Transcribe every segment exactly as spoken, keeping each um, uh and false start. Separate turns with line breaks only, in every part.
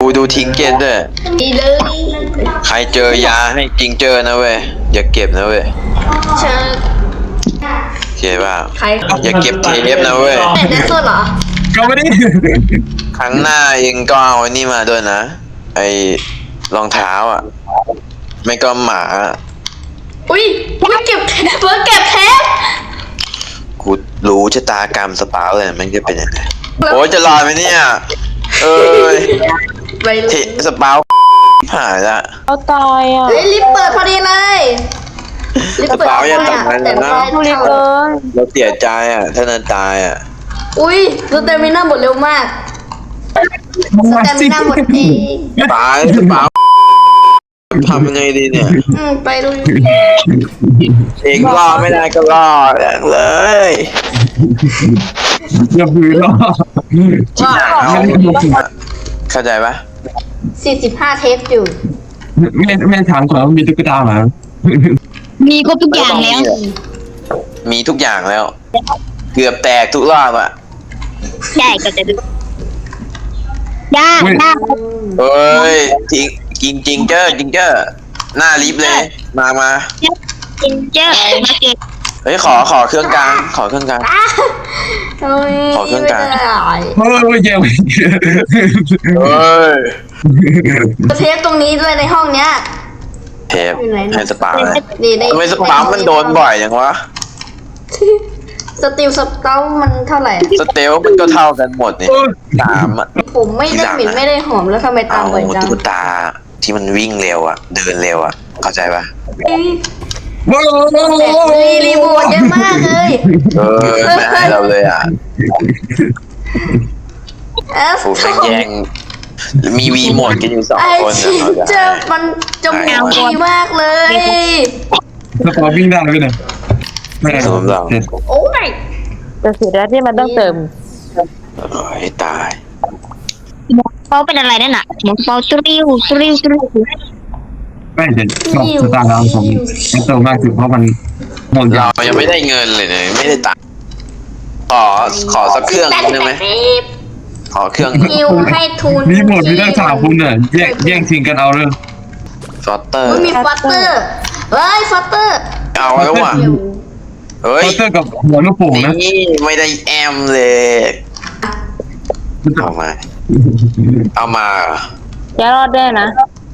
ดูดูทิ้งเกตด้วย
ดีเลย
ใครเจอยาให้จริงเจอนะเว้ยอย่าเก็บนะเว้ย
เชิญ
โอเคป่ะ
ใคร
อย่าเก็บเทปนะเว้ย
แต่แดนเซอร์เหรอ
ก็ไม่ได้
ครั้งหน้าเองก็เอาไอ้นี่มาด้วยนะไอ้รองเท้าอ่ะ ไม่ก็หมา
อุ้ยอุ้ยเก็บเฟิร์สเก็บเทป
กูรู้ชะตากรรมสปาวเลยมันจะเป็นยังไงโอ้ยจะรอดไหมเนี่ยเอ้ย
ไปเล
เท
ย
สปาวหายละ
เขาตายอ่ะ
เฮ้ยลิฟต์เปิดพอดีเลยลิฟต์เปิด
กระเป๋าอย่า
พอดี
ตัดมัน
แต่
นะ
ไม่ได้
รีบ
เข้า
เลย
เราเสียใจอ่ะถ้านันตายอ่ะ
อุ้ยสเตมิน่าหมดเร็วมากสเตมิน่าหมดเอง
ตายสปาวทำยังไงดีเนี่ย
อืมไปดู
เองรอดไม่ได้ก็รอดเลย
อย่าพื้นหรอ
ว่า
เอาเข้าใจปะ
สี่สิบห้าเทปอยู่
ไม่ไม่ถามก่อนว่ามีตุ๊กตาไหม
มีครบทุกอย่างแล้ว
มีทุกอย่างแล้ว เกือบแตกทุกรอบอ่ะ
ใช่ก็จะดูยากยาก
เอ้ยจริงจริงจริงเจ้อจริงเจ้อหน้าลิฟต์เลย มามา
จินเจอร์มาเก็บ
เฮ้ยขอขอเครื่องกลางขอเครื่องกลาง
เฮ้ย
ขอเครื่องกลาง
ไม่ได้
เฮ้ยเย้
เฮ้ย
เทปตรงนี้ด้วยในห้องเนี้ย
เทปให้สปาเลย
นี่ใน
ทำไมสปามันโดนบ่อยอย่างวะ
สติลสเตลมันเท่าไหร่
สเตลมันก็เท่ากันหมดนี่สามอ่ะ
ผมไม่ได้เหม็นไม่ได้หอมแล้วทำไมตา
เอา
มบ่อยจัง
ตุ๊กตาที่มันวิ่งเร็วอ่ะ เดินเร็วอ่ะ เข้าใจปะ
เอ้ย
ว้าว
แต่รีรีโวเยอะมากเลย
เออไม่ให้เราเลยอ่ะ
เอฟ
ฟูแม่งแย่งมีวีโหมดกันอยู่สอง
ไอ
คน
ชิ
อะ
เจอมันจมูกดีมากเลย
สปอร์วิ่งได้ไหมเนี่ยไม่ได้
สมเรา
โอ้ย
แต่เสียดายที่มันต้องเติม
โอ้ยตาย
หมวกเป้าเป็นอะไรนั่นน่ะหมวกเป้าตริวตริวตริว
ไม่เด็ดชอบสตาร์ดาวผมมันโตมากสุดเพราะมันหมด
เรายังไม่ได้เงินเลยเนี่ยไม่ได้ตังค์ขอขอสักเครื่องได้ไหมขอเครื่อง
นิวให้ทุน
มีหมดมีตั้งสามคนเนี่ยแย่งแย่งชิงกันเอาเลย
ฟอตเตอร์
มันมีฟัตเตอร์เฮ้ยฟัตเตอร์
เอาแล้วว่ะเฮ้ย
เคาน์เตอร์กับหัวลูกโป่งนะ
นี่ไม่ได้แอมเลยเอามา เอามา
อย่ารอดได้นะ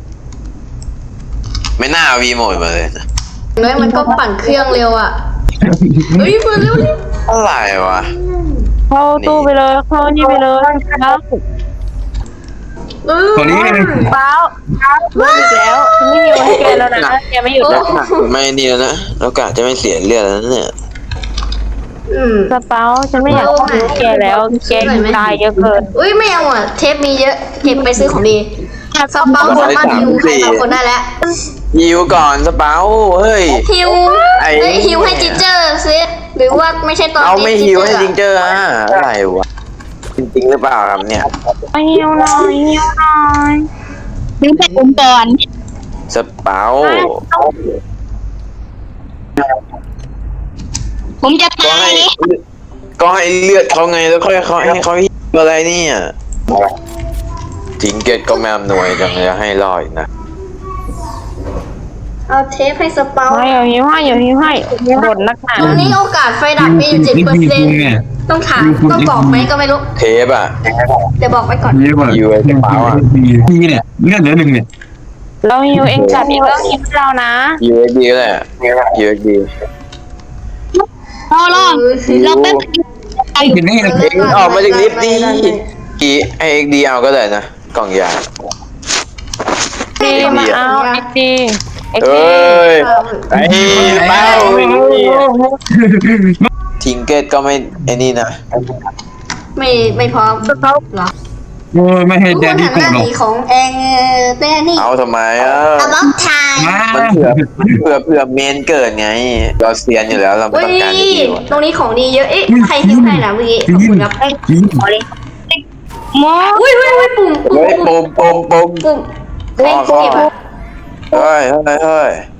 ไม่น่าเอาวีโหมดมาเลยนะ
น้อยมันก็ปั่นเครื่องเร็วอ่ะเฮ้ยเปิดเร็วดิ
อะไรวะ
เข้าตู้ไปเลยเข้านี่ไปเลยแล้ว
เออ
ตอนนี้
เป้าไม่อีกแล้วฉันไม่มีวันให้แกแล้วนะแกไม่หยุด
แล้
แล้ว ว
ไม่นี่แล้วนะแล้วกะจะไม่เสียเลือดแล้วเนี่ย
อืม
สเปาฉันไม่อยากพูดแกแล้วแกตายเยอะเกิน
อุ้ยไม่เอาอ่ะเทปมีเยอะเก็บไปซื้อของดีสเปาสามารถฮิวใครบางคนได้แล้ว
ฮิวก่อนสเปาเฮ้ย
ฮิว
ไอ้
เฮ้ยฮิวให้จินเจอร์ซิหรือว่าไม่ใช่ตอน
เอาไม่ฮิวให้จริง
เจอร์
เจออ่ะอะไรวะจริงๆหรือเปล่าครับเนี่ย
เอาหิวหน่อยหิวหน่อย
ดึงไปอุ้มก่อน
สเปา
ผมจะ
ก็
ตาย
ให้
เลย
ก็ให้เลือดเขาไงแล้วค่อยเขาให้เขาฮิวอะไรเนี่ยทิ้งเกตก็แมมหน่วยจังเลยให้รอดนะ
เอาเทปให้สเปา
ไม่เอาหิวให้อย่าหิวให้บ่นนักหนา
ตรงนี้โอกาสไฟดับมีอยู่เจ็ดเปอร์เซ็นต์ต้องถามต้องบอกไหมก็ไม่รู้
เทปอ่ะ
เดี๋ยวบอกไว้ก่อน
นี่ก่อนนี่เนี่ยเลือดเหลือหนึ่งเนี่ย
เราหิวเองจับเองก็หิวเรานะ
ยูเอสดีแหละยูเอสดี
รอรอเราแป๊บ
เป็นนี่นะ
เอ็งออกมาจากลิฟต์ดิกี่ไอเอ็กดีเอาก็ได้นะกล่องยา
ดีมาเอาเอ็กดีเอ็ก
เอ
ดี้
ยไอ้เป้าทิงเกตก็ไม่ไอ้นี่นะ
ไม่ไม่พร้อมเหรอ
โอ้ยไม่ให้
ทุก
แด
คน น
ดี้
หัน
โก
ห
ร
น้า
ธหร
ห
อก
นีของเองแดนี่
เอาทำไมอ่ะ
อะบ็อกไทม์
มันเผื่อเผื่อเผื่อเมนเกิดไงเราเซียนอยู่แล้วเราไม่
อุ้ย
ต้องการดีวะ
ตรงนี้ของดีเยอะ เอ๊ะใครทิ้งให้นะเมื่อกี้ขอบคุณครับ
ขอเลยหมอ
อุ้ยอุ้ยอุ้ยปุ่ม
เฮ้ย
ปุ่ม
ปุ่มปุ่มปุ่ม
ปุ่ม
ข้อข้อเฮ้ยเฮ้ยเฮ้ย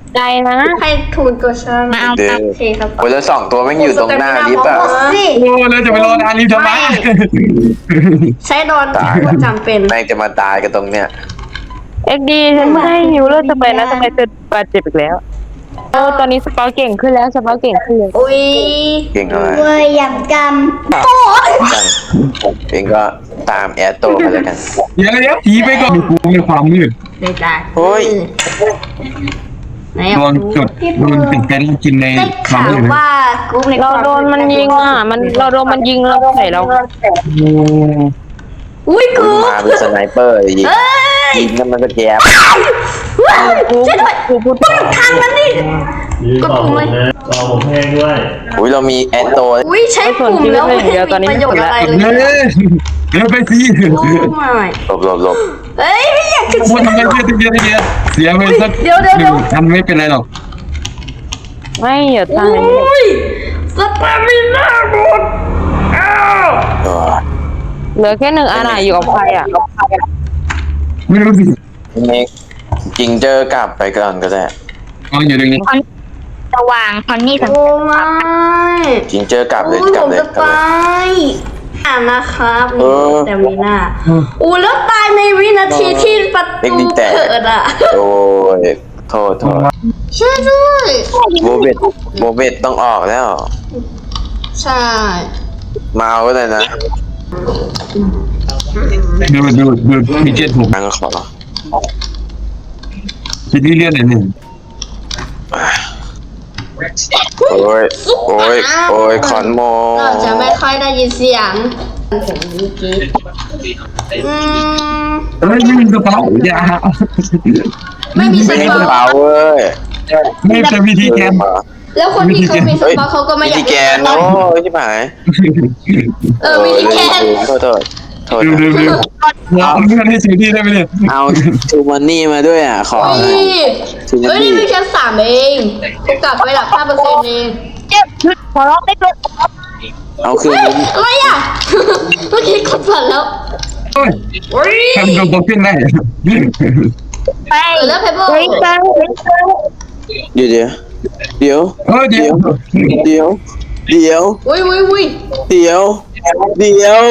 ใจนะ
ให้ทุนตัวฉัน
มาเอา
เดี๋ยว
โอเคครับ
โอ้ยแล้วสองตัวแม่งอยู่ตรงหน้าลิฟต์อะ
สิ
โอ้แล้วจะไปรอนานรีบทำไม
ใช้ดอน
ตาย
จำเป็น
แม่งจะมาตายกันตรงเนี้ย
เอ็กดีฉันไม่ให้ฮิวเลือดสเปนนะทำไมเธอบาดเจ็บอีกแล้วเออตอนนี้สปาเก่งขึ้นแล้วสปาเก่งขึ้นเลย
อุ้ย
เก่งอะไร
เว้ยอยากจำโอ้
เองก็ตามแอดโตไปแล้วกัน
เดี๋ยวเดี๋ยวผีไปก่อนกูในความมืด
ได้จ้ะ
โอ้ย
ไหน
โดนจดโดนติดเต้นกินใน
ได้
ควา
ข่าม ว
มืด
ว่ากรุ๊ปใน
เราโดนมันยิงอ่ะมันเราโดนมันยิงเราใส่เรา
โอ้
อุ้ยก
มัน
รุ๊ป
มาเป็นสไนเปอร์ยิง
เอ้ย
ยิงแล้วมันก็แจบ
ว้าวช่วยด้วย
กูพูด
ทางนั้นดิ
ยืนต่อผมนะต่อผมแห้งด้วย
อุ้ยเรามีแอดโต
อุ้ยใช้ปุ่มแล้วไม่มีประโยชน์อะไร
เฮ้
เลย
ยเดี๋ยวไปสิ
โอ้ไม่
หลบหลบหลบ
เฮ้ยไม่อยากจะ
พูดทำไมเยอะเยอะเยอะเสียไปสัก
เดี๋ยวเดี๋ยวเดี๋ยว
ทำไม่เป็นไรหรอก
ไม่อย่า
โอ
ตาย้
ยสตามิน่าหมดอ้าว
เออ
เหลือแค่หนึ่งอันอ่ะอยู่กับใครอ่ะ
ไม่รู้สิ
เมกจริงเจอกลับไปก่อนก็ได้
เอาอยู่ตรงนี้
คอนสว่างคอนนี่ส
โอ้ไม่
จริงเจอกลับเลย
โอ้ย
กลั
ผ
บ
ม
เลย
จะ
กลับ
ตา
เลย
ยอ่านนะครับ
เออ
แต่มีหน้าอู้แล้วตายในวินาทีที่ประ
เด็ก
ตู
ดีแต่
เปิดอ่ะ
โอ้ยโทษโทษ
ช่วยด้วย
โบเบตโบเบตต้องออกแล้ว
ใช่
มาเอาก็ได้นะ
ดูดูดูมีเจ็ดผม
ทางขอ
คิดที่เลื่อนหนึ่งหนึ่ง
โอ้ยโอ้ยโอ้ยขอนโม
เราจะไม่ค่อยได้ยินเสียงผมเมื่อกี้อืม
เฮ้ยไม่มีกระเป๋าอย่า
ไม่มีส
ไม่มีก
ปา
ระเป๋าเว้ย
ไม่เป็นวิธีแกน
แล้วคนที่เขามีส
เฮ้ย
ปาเขาก็ไม่อยาก
วิธีแกนโอ้ยชิบหาย
เออวิธีแกน
โทษโทษโทษ
ดูดูดูเอาเงินให้ซื้อที่ได้ไหมเนี่ย
เอาทูมันนี่มาด้วยอ่ะขอ
เฮ้ย
ทูมัน
เฮ้ย
นี่
นี่มีแค่สามเองกูกลับไปหลักห้าเปอร์เซ็นต์เอง
เจ็บชุดขอร้องได้เลย
เอาคืน
เฮ้ย
นี้
อะไรอ่ะ เมื่อกี้กดผ่านแล้ว
โอ้ย
เฮ้ย
ทำตัวโตขึ้นได้
ไป
เออแล้วเพเบิล
เฮ้ยฟัง
เดี๋ยวเดี๋ยวเดี๋ยว
เออเดี๋ยว
เดี๋ยวเดี๋ยว
อุ้ยอุ้ยอุ้ย
เดี๋ยวเดี๋ยว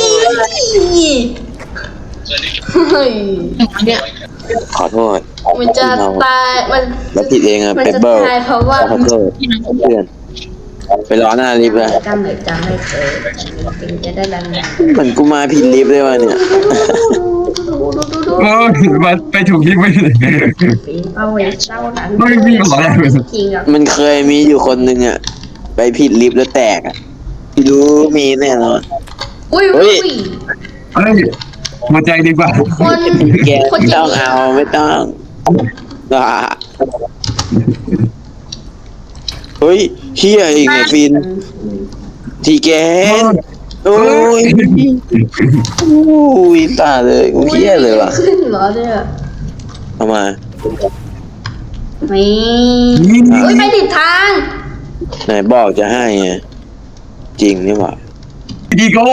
เฮ้ยเนี่ย
ขอโทษ
มันจะตายมัน
แล้วผิดเองอะ
มัน
เป
จะ
เบิล
ตายเพราะว่า
ขอโทษเพื่อนไปรอหน้าลิฟต์เลย
จำเลยจำไม่เคยเป็นจะได้ดัง
เหมือนกูมาผิดลิฟต์เลยวะเนี่ย
โอ้ยมาไปถูกที่ไม่ได้
ปีนเอาไว้เจ้านั้น
ไม่มีขอแล้ว
จริงอ่ะ
มันเคยมีอยู่คนหนึ่งอะไปผิดลิฟต์แล้วแตกอะไม่รู้มีแน่นอน
อุ้ย
เฮ้
อุ้
ย
ย
เฮ้ยหัวใจดีกว่า
คน
แก
คน
ไม่
จริ
ต้อง งเอาไม่ต้องอ่าเฮ้ยเฮียอีกไงฟินทีแกนโอ้ยโอ้ยตาเลยกูเฮียเลยว่ะ
ขึ้นเหรอเนี่ย
เอามา
นี่
นี่
อุ้ยไปผิดทาง
ไหนบอกจะให้ไงจริงนี่หว่า
ดีโก้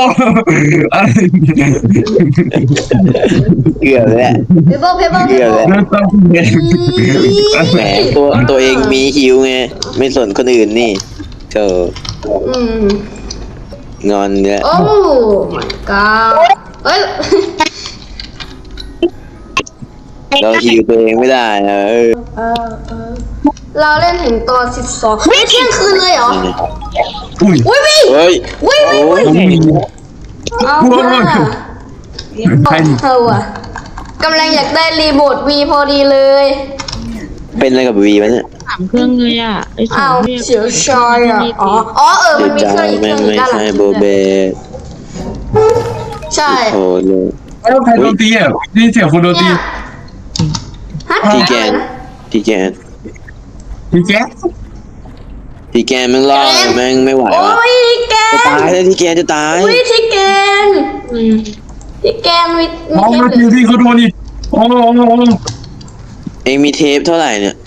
เกือบแล้ว
เพเบิลเพเบิลเพ
เกือบ
เบิล
แล้ว
เริ่มต้นเอง
แหมตัวตัวเองมีฮิวไงไม่สนคนอื่นนี่เธอ
อืม
งอนเนี่ย
โอ้ my god เอ้ย
เราฮิวตัวเองไม่ได้นะเออ
เออเออเราเล่นถึงตอนสิบสองเฮ้ยเที่ยงคืนเลยเหรอ
อุ้ย
อุ้ยวิ
เฮ้ย
วิวิ
โอ้ย
วิเอา
โอ้ย
ว่า
ใคร
เออว่ะกำลังอยากได้รีโมทวีพอดีเลย
เป็นอะไรกับวีวะเนี่ย
สามเครื่องเลยอ่ะไอ้สอ
เอา
งเรียก
เสียวชอยอ่ะอ๋ออ๋อเออ
เสี
มัน
ย
มี
ใจ
เครื่องอีกเค
แม่
รื่อง
ง
หนึ่งด้านหลัง
ไม่ใช่โบเบต
ใช่
โอ้เลย
แล้วใครโดนตีอ่ะนี่เสียงคนโดนตี
เนี่ยฮะ
ทีแกนทีแกน
พี่แจ๊ค
ทีแกนแม่งรอดแม่งไม่ไหว
โอ้
วะ
ยแก
จะ
น
ตายแล้วทีแกนจะตาย
อุ้ยที่แกนที่แกนมี
มองมาทีที่เขาโดนอีกโอ้โห
เองมีเทปเท่าไหร่เนี่ย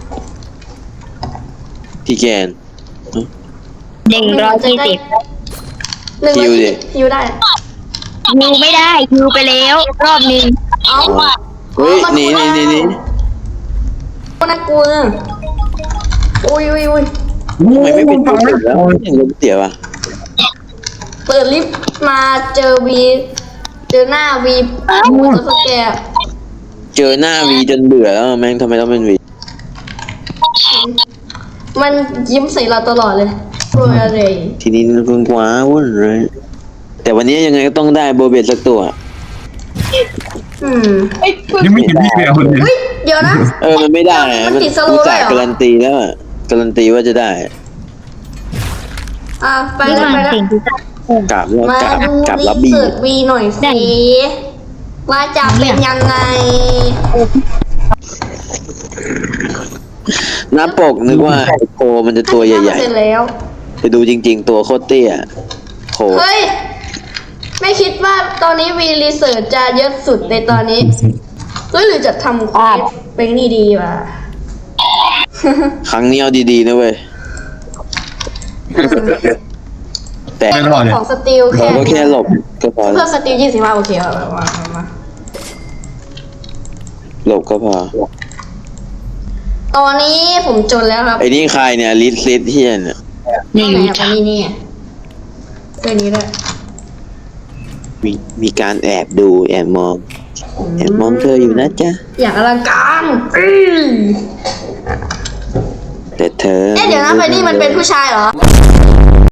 ทีแกน
หนึ่งร้อยยี่สิบ
หนึ่ง
ฮิวดิ
ฮิวได้
ฮิวไม่ได้ฮิวไปแล้วรอบหนึ่ง
เอาว่ะ
เฮ้ยหนีหนีหนีหนี
น่ากลัวอุ้ยอุ้ยอุ้ย
ทำไมไม่เป็นตัวเสียแล้วยังลมเสียวะ
เปิดลิฟต์มาเจอวีเจอหน้าวีตัวสแกน
เจอหน้าวีจนเบื่อแล้วแม่งทำไมต้องเป็นวี
มันยิ้มใส่เราตลอดเลยกลัวอะไร
ทีนี้คุณกว้าวุ่นเลยแต่วันนี้ยังไงก็ต้องได้โบเบตสักตัว
อืม
ยังไม่เห็นพี่แมวคนเดียว
เฮ้ยเดี๋ยวนะ
เออมันไม่ได้อะ
มันติดสโลว์
อุต
ด้
ส่า
วย
ห์
เหรอ
การันตีแล้วอะการันตีว่าจะได้
อ่ะไป
ไม่
แล้ว
มา
ไปแล้ว
เก่งที่จะ
กลับแล้ว
มาก
ลับ
ดู
กลับ
รี
รับบี
เสิร์ชวีหน่อยสิว่าจะเป็นยังไง
หน้าปกนึกว่าไอโคมันจะตัวใหญ่
เสร็จแล้ว
ๆไปดูจริง ๆ ตัวโคตรเตี้ยโค
เฮ้ย ไม่คิดว่าตอนนี้วีรีเสิร์ชจะเยอะสุดในตอนนี้เฮ้ยหรือจะทำคลิปเป็นนี่ดีวะ
ครั้งนี้เอาดีๆนะเว้ยแต่
ไม่รอดเลย
ของสติลแค่
เราก็แค่หลบก็พอ
เพิ่มสติลยี่สิบห้าโอเคเอามามามา
หลบก็พอ
ตอนนี้ผมจนแล้วครับ
ไอ้นี่ใครเนี่ยลิสลิสเฮียเนี่ย
ไม่
ไหน
รู้
อะ
จัก
นี่นี่เรื่องนี้ด้วย
มีมีการแอบดูแอบมองแอบมองเธออยู่นะจ๊ะ
อย่างอลังการอื้อ
แต่เธอ
เอ๊ะเดี๋ยวนะไฟนี่มันเป็นผู้ชายเหรอ